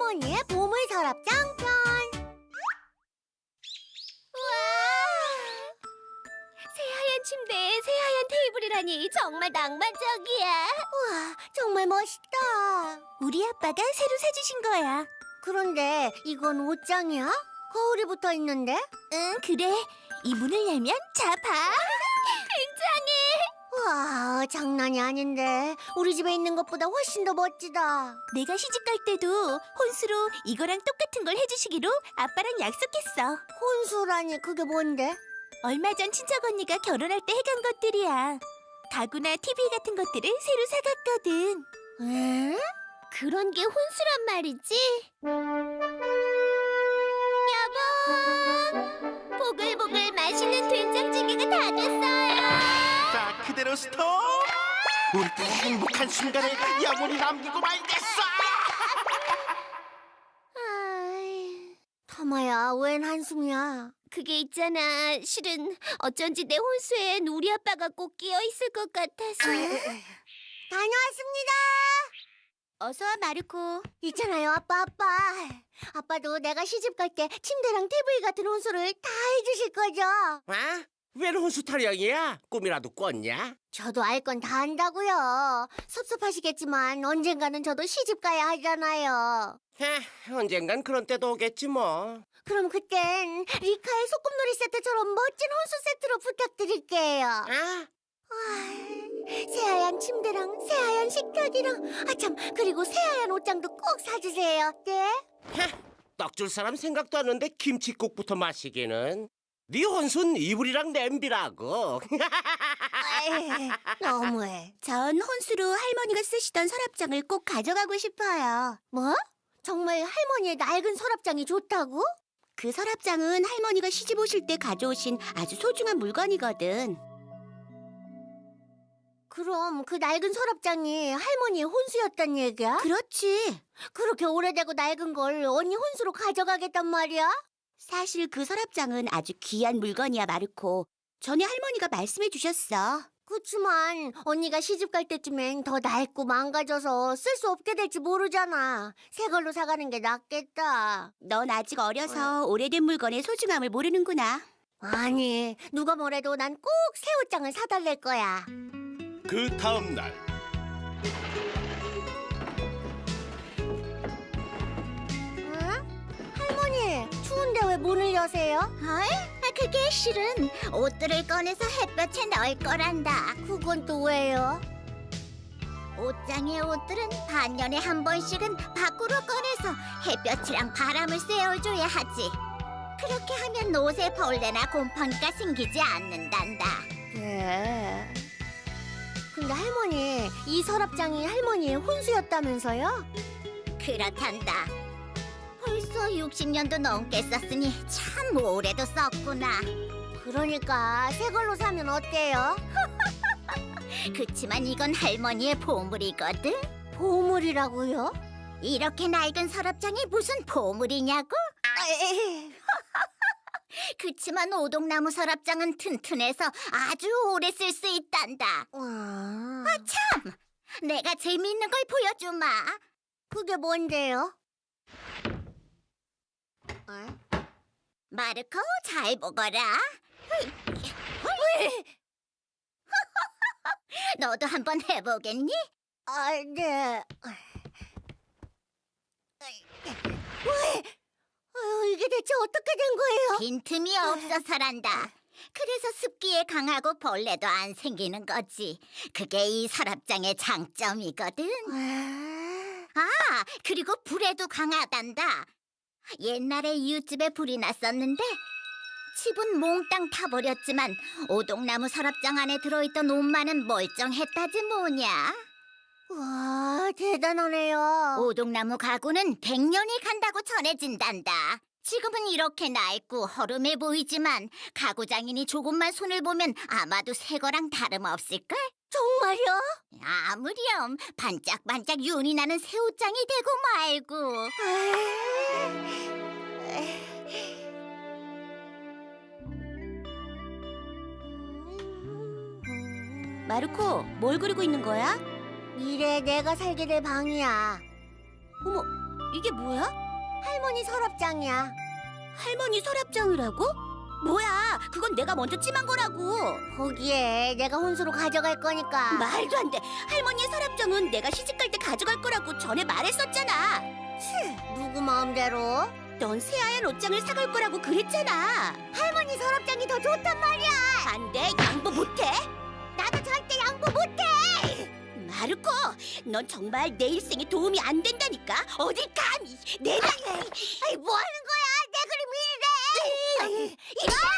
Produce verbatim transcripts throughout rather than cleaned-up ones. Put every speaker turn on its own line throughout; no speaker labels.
할머니의 보물 서랍장 편. 우와! 새하얀 침대에 새하얀 테이블이라니 정말 낭만적이야. 우와, 정말 멋있다. 우리 아빠가 새로 사주신 거야. 그런데 이건 옷장이야? 거울이 붙어 있는데? 응, 그래. 이 문을 열면 자, 봐. 굉장해. 와, 장난이 아닌데. 우리 집에 있는 것보다 훨씬 더 멋지다. 내가 시집 갈 때도 혼수로 이거랑 똑같은 걸 해주시기로 아빠랑 약속했어. 혼수라니 그게 뭔데? 얼마 전 친척 언니가 결혼할 때 해간 것들이야. 가구나 티비 같은 것들을 새로 사갔거든. 에? 그런 게 혼수란 말이지? 여보! 보글보글 맛있는 된장찌개가 다 됐어요.
자, 그대로 스톱! 우리 딸의 행복한 순간을 영원히 남기고 말겠어!
아이, 터마야, 웬 한숨이야? 그게 있잖아. 실은 어쩐지 내 혼수엔 우리 아빠가 꼭 끼어 있을 것 같아서. 다녀왔습니다. 어서 와, 마르코. 있잖아요, 아빠, 아빠. 아빠도 내가 시집 갈 때 침대랑 티비 같은 혼수를 다 해주실 거죠?
아? 웬 혼수 타령이야? 꿈이라도 꿨냐?
저도 알 건 다 안다고요. 섭섭하시겠지만 언젠가는 저도 시집 가야 하잖아요.
하, 언젠간 그런 때도 오겠지 뭐.
그럼 그땐 리카의 소꿉놀이 세트처럼 멋진 혼수 세트로 부탁드릴게요.
아?
아이, 새하얀 침대랑 새하얀 식탁이랑 아참 그리고 새하얀 옷장도 꼭 사주세요. 네?
하, 떡줄 사람 생각도 안 하는데 김칫국부터 마시기는. 네 혼수는 이불이랑 냄비라고.
에이, 너무해. 전 혼수로 할머니가 쓰시던 서랍장을 꼭 가져가고 싶어요. 뭐? 정말 할머니의 낡은 서랍장이 좋다고? 그 서랍장은 할머니가 시집 오실 때 가져오신 아주 소중한 물건이거든. 그럼 그 낡은 서랍장이 할머니의 혼수였단 얘기야? 그렇지. 그렇게 오래되고 낡은 걸 언니 혼수로 가져가겠단 말이야? 사실 그 서랍장은 아주 귀한 물건이야, 마르코. 전에 할머니가 말씀해 주셨어. 그치만 언니가 시집 갈 때쯤엔 더 낡고 망가져서 쓸 수 없게 될지 모르잖아. 새 걸로 사가는 게 낫겠다. 넌 아직 어려서 오래된 물건의 소중함을 모르는구나. 아니, 누가 뭐래도 난 꼭 새 옷장을 사달랠 거야.
그 다음 날.
응? 할머니, 추운데 왜 문을 여세요? 어이? 그게 실은 옷들을 꺼내서 햇볕에 넣을 거란다. 그건 또 왜요? 옷장의 옷들은 반년에 한 번씩은 밖으로 꺼내서 햇볕이랑 바람을 쐬어줘야 하지. 그렇게 하면 옷에 벌레나 곰팡이가 생기지 않는단다. 네. 근데 할머니, 이 서랍장이 할머니의 혼수였다면서요? 그렇단다. 벌써 육십 년도 넘게 썼으니 참 오래도 썼구나. 그러니까 새 걸로 사면 어때요? 그치만 이건 할머니의 보물이거든. 보물이라고요? 이렇게 낡은 서랍장이 무슨 보물이냐고? 그치만 오동나무 서랍장은 튼튼해서 아주 오래 쓸 수 있단다. 아, 참! 내가 재미있는 걸 보여주마. 그게 뭔데요? 어? 마르코, 잘 보거라. 너도 한번 해보겠니? 아, 네. 왜? 아유, 이게 대체 어떻게 된 거예요? 빈틈이 없어서란다. 그래서 습기에 강하고 벌레도 안 생기는 거지. 그게 이 서랍장의 장점이거든. 아, 그리고 불에도 강하단다. 옛날에 이웃집에 불이 났었는데 집은 몽땅 타버렸지만 오동나무 서랍장 안에 들어있던 옷만은 멀쩡했다지 뭐냐. 와, 대단하네요. 오동나무 가구는 백 년이 간다고 전해진단다. 지금은 이렇게 낡고 허름해 보이지만 가구 장인이 조금만 손을 보면 아마도 새 거랑 다름없을걸? 정말요? 아무렴 반짝반짝 윤이 나는 새 옷장이 되고 말고. 마르코, 뭘 그리고 있는 거야? 미래에 내가 살게 될 방이야. 어머, 이게 뭐야? 할머니 서랍장이야. 할머니 서랍장이라고? 뭐야? 그건 내가 먼저 찜한 거라고. 거기에 내가 혼수로 가져갈 거니까. 말도 안 돼. 할머니의 서랍장은 내가 시집갈 때 가져갈 거라고 전에 말했었잖아. 치, 누구 마음대로? 넌 새하얀 옷장을 사갈 거라고 그랬잖아. 할머니 서랍장이 더 좋단 말이야. 안 돼. 양보 못해. 나도 절대 양보 못해. 마르코, 넌 정말 내 일생에 도움이 안 된다니까. 어딜 감히 내가... 아이, 뭐 하는 거야? 내 그림이 이래.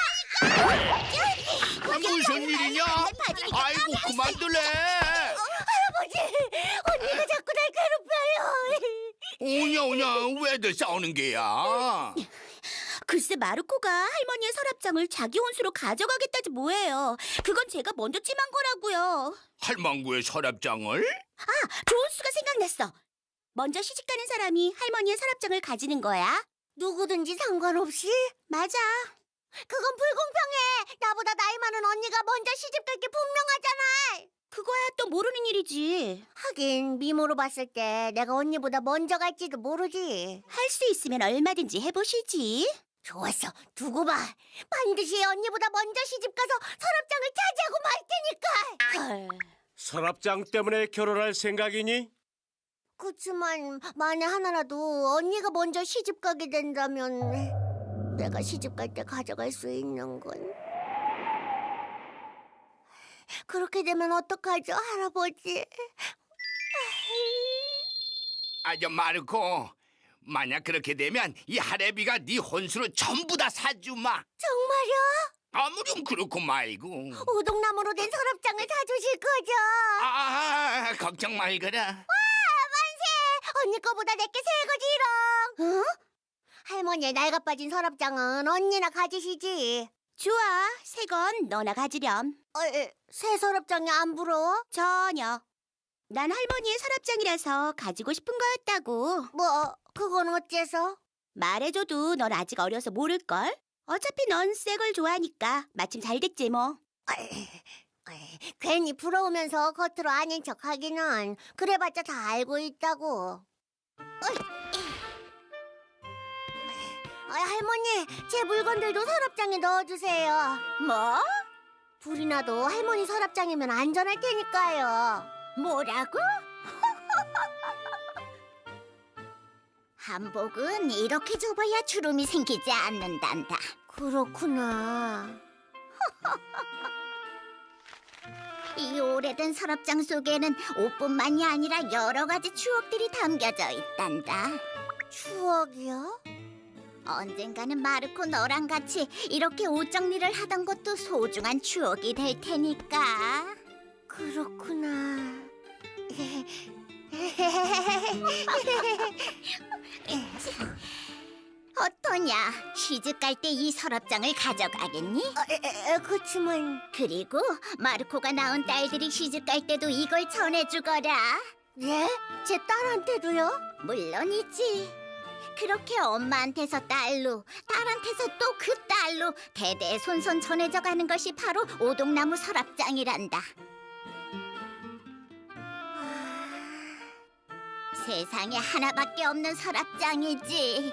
이거!
무슨 일이냐? 아이고 그만둘래.
할아버지, 언니가 자꾸 날 괴롭혀요.
오냐 오냐 왜들 싸우는 게야?
글쎄, 마르코가 할머니의 서랍장을 자기 혼수로 가져가겠다지 뭐예요. 그건 제가 먼저 찜한 거라고요.
할망구의 서랍장을?
좋은 수가 생각났어. 먼저 시집가는 사람이 할머니의 서랍장을 가지는 거야. 누구든지 상관없이? 맞아. 그건 불공평해. 나보다 나이 많은 언니가 먼저 시집갈 게 분명하잖아. 그거야 또 모르는 일이지. 하긴 미모로 봤을 때 내가 언니보다 먼저 갈지도 모르지. 할 수 있으면 얼마든지 해보시지. 좋았어. 두고 봐. 반드시 언니보다 먼저 시집가서 서랍장을 차지하고 말 테니까. 헐.
서랍장 때문에 결혼할 생각이니?
그치만 만에 하나라도 언니가 먼저 시집 가게 된다면 내가 시집 갈 때 가져갈 수 있는 건 그렇게 되면 어떡하죠, 할아버지?
아저 마르코, 만약 그렇게 되면 이 할애비가 네 혼수로 전부 다 사주마.
정말요?
아무렴 그렇고 말고.
우동나무로 된 서랍장을 사주실 거죠?
아 걱정 말거라.
언니 거보다 내게 새 거지롱. 어? 할머니의 낡아 빠진 서랍장은 언니나 가지시지. 좋아, 새 건 너나 가지렴. 어, 에, 새 서랍장이 안 부러워? 전혀. 난 할머니의 서랍장이라서 가지고 싶은 거였다고. 뭐, 그건 어째서? 말해줘도 넌 아직 어려서 모를걸? 어차피 넌 새 걸 좋아하니까 마침 잘 됐지 뭐. 어이, 어이, 괜히 부러우면서 겉으로 아닌 척 하기는 그래봤자 다 알고 있다고. 어이, 어이, 할머니, 제 물건들도 서랍장에 넣어주세요. 뭐? 불이 나도 할머니 서랍장이면 안전할 테니까요. 뭐라고? 한복은 이렇게 좁아야 주름이 생기지 않는단다. 그렇구나. 이 오래된 서랍장 속에는 옷뿐만이 아니라 여러 가지 추억들이 담겨져 있단다. 추억이요? 언젠가는 마르코 너랑 같이 이렇게 옷 정리를 하던 것도 소중한 추억이 될 테니까. 그렇구나. 어떠냐? 시집 갈 때 이 서랍장을 가져가겠니? 어, 에, 에, 그치만... 그리고 마르코가 낳은 딸들이 시집 갈 때도 이걸 전해주거라. 예? 제 딸한테도요? 물론이지. 그렇게 엄마한테서 딸로, 딸한테서 또 그 딸로 대대손손 전해져 가는 것이 바로 오동나무 서랍장이란다. 세상에 하나밖에 없는 서랍장이지.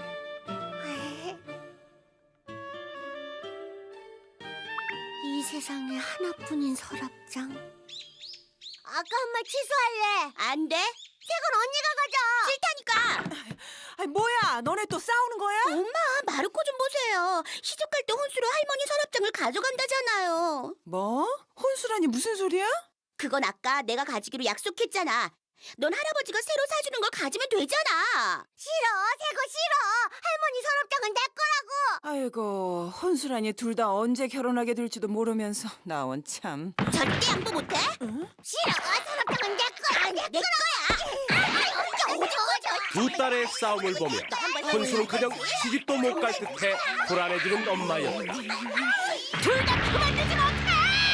이 세상에 하나뿐인 서랍장. 아까 한 말 취소할래. 안 돼. 책은 언니가 가져. 싫다니까.
아니 뭐야? 너네 또 싸우는 거야?
엄마, 마르코 좀 보세요. 시집 갈 때 혼수로 할머니 서랍장을 가져간다잖아요.
뭐? 혼수라니 무슨 소리야?
그건 아까 내가 가지기로 약속했잖아. 넌 할아버지가 새로 사주는 걸 가지면 되잖아. 싫어, 새 거 싫어. 할머니 서랍장은 내 거라고.
아이고, 혼수라니 둘 다 언제 결혼하게 될지도 모르면서 나원 참.
절대 양보 못해.
응?
싫어, 서랍장은 내 거야. 내, 내 거야.
두 딸의 싸움을 보며 혼수는 그냥 시집도 못 갈 듯해 불안해지는 엄마였다.
둘 다 그만두지 못해.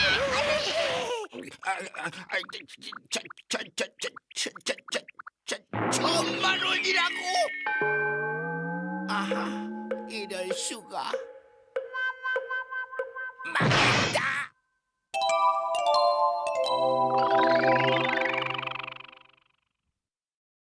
아, 아, 아, 저, 저, 저, 저, 저, 저, 저, 저, 천만 원이라고? 아하.